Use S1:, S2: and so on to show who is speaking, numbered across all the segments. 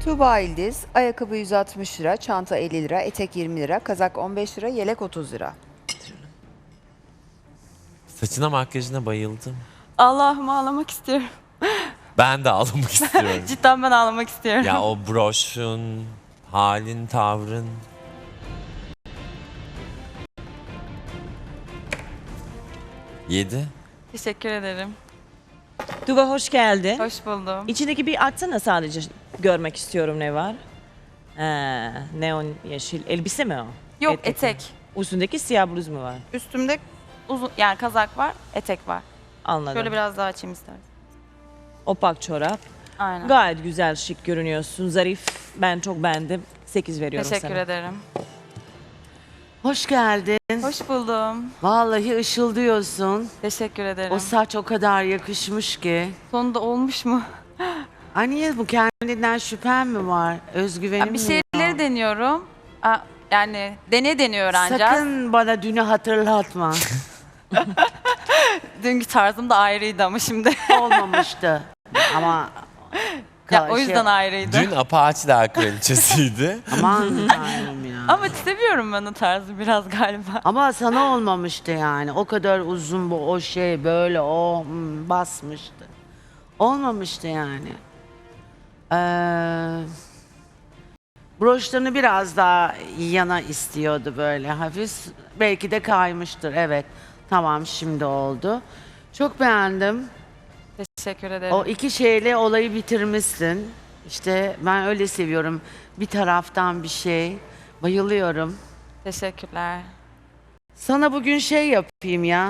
S1: Tuğba İldiz, ayakkabı 160 lira, çanta 50 lira, etek 20 lira, kazak 15 lira, yelek 30 lira.
S2: Saçına makyajına bayıldım.
S3: Allah'ım ağlamak istiyorum.
S2: Ben de ağlamak istiyorum.
S3: Cidden ben ağlamak istiyorum.
S2: Ya o broşun, halin, tavrın. Yedi.
S3: Teşekkür ederim.
S4: Tuba hoş geldin.
S3: Hoş buldum.
S4: İçindeki bir açsana sadece görmek istiyorum ne var. Neon yeşil elbise mi o?
S3: Yok
S4: mi?
S3: etek.
S4: Üstündeki siyah bluz mu var?
S3: Üstümde uzun yani kazak var, etek var.
S4: Anladım.
S3: Şöyle biraz daha açayım istersen.
S4: Opak çorap.
S3: Aynen.
S4: Gayet güzel şık görünüyorsun. Zarif. Ben çok beğendim. 8 veriyorum
S3: Teşekkür
S4: sana.
S3: ederim.
S5: Hoş geldin.
S3: Hoş buldum.
S5: Vallahi ışıldıyorsun.
S3: Teşekkür ederim.
S5: O saç o kadar yakışmış ki.
S3: Sonunda olmuş mu?
S5: Ay niye bu kendinden şüphen mi var? Özgüvenim
S3: Ya bir
S5: mi
S3: şeyleri
S5: yok?
S3: deniyorum. Yani deniyor öğreneceğiz.
S5: Sakın bana dünü hatırlatma.
S3: Dünkü tarzım da ayrıydı ama şimdi.
S5: Olmamıştı. Ama
S3: Ya o yüzden ayrıydı.
S2: Dün Apache'ler kraliçesiydi.
S5: Aman tanrım ya.
S3: Ama seviyorum ben o tarzı biraz galiba.
S5: Ama sana olmamıştı yani. O kadar uzun bu o şey böyle basmıştı. Olmamıştı yani. Broşlarını biraz daha yana istiyordu böyle hafif. Belki de kaymıştır. Evet. Tamam şimdi oldu. Çok beğendim.
S3: Teşekkür ederim.
S5: O iki şeyle olayı bitirmişsin. İşte ben öyle seviyorum. Bir taraftan bir şey. Bayılıyorum.
S3: Teşekkürler.
S5: Sana bugün şey yapayım ya.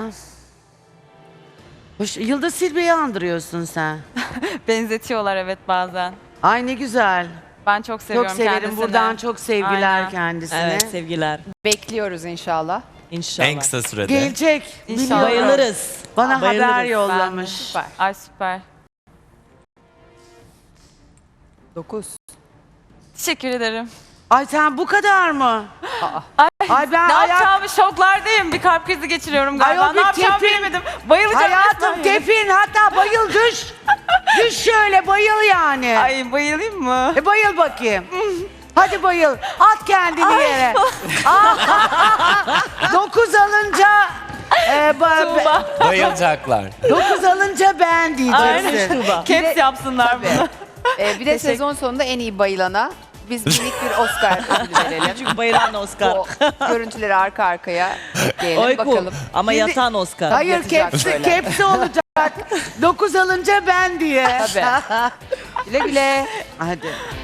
S5: Yıldız Silbe'yi andırıyorsun sen.
S3: Benzetiyorlar evet bazen.
S5: Ay ne güzel.
S3: Ben çok seviyorum
S5: Çok severim.
S3: kendisini.
S5: Buradan çok sevgiler
S3: Aynen.
S5: kendisine.
S4: Evet sevgiler.
S1: Bekliyoruz inşallah.
S4: İnşallah.
S2: En kısa sürede.
S5: Gelecek.
S3: İnşallah.
S5: Biliyorum.
S4: Bayılırız.
S5: Bana
S4: Bayılırız.
S5: haber
S3: Ben de.
S5: yollamış.
S3: Süper. Ay süper.
S1: 9.
S3: Teşekkür ederim.
S5: Ay sen bu kadar mı? Ay ben
S3: Ne
S5: ayak...
S3: yapacağımı şoklardayım. Bir kalp krizi geçiriyorum galiba.
S5: Ayol bir
S3: Ne yapacağımı
S5: tepin.
S3: bilemedim. Bayılacağım
S5: Hayatım
S3: resmen.
S5: tepin hatta bayıl düş. Düş şöyle bayıl yani.
S3: Ay bayılayım mı?
S5: Bayıl bakayım. Hadi bayıl. At kendini yere. 9 alınca
S3: Tuğba.
S2: Bayılacaklar.
S5: 9 alınca ben diyeceksin.
S4: Tuba.
S3: Caps yapsınlar bunu.
S1: Bir de sezon sonunda en iyi bayılana biz minik bir Oscar ödülü verelim.
S4: Çünkü bayılan Oscar.
S1: Bu görüntüleri arka arkaya diyelim
S4: Oy cool.
S1: bakalım.
S4: Ama
S5: Şimdi-
S4: yatan Oscar.
S5: Hayır
S1: Yatacak
S5: kepsi,
S1: böyle.
S5: kepsi olacak. 9 alınca ben diye.
S1: Tabii. Güle güle.
S5: Hadi.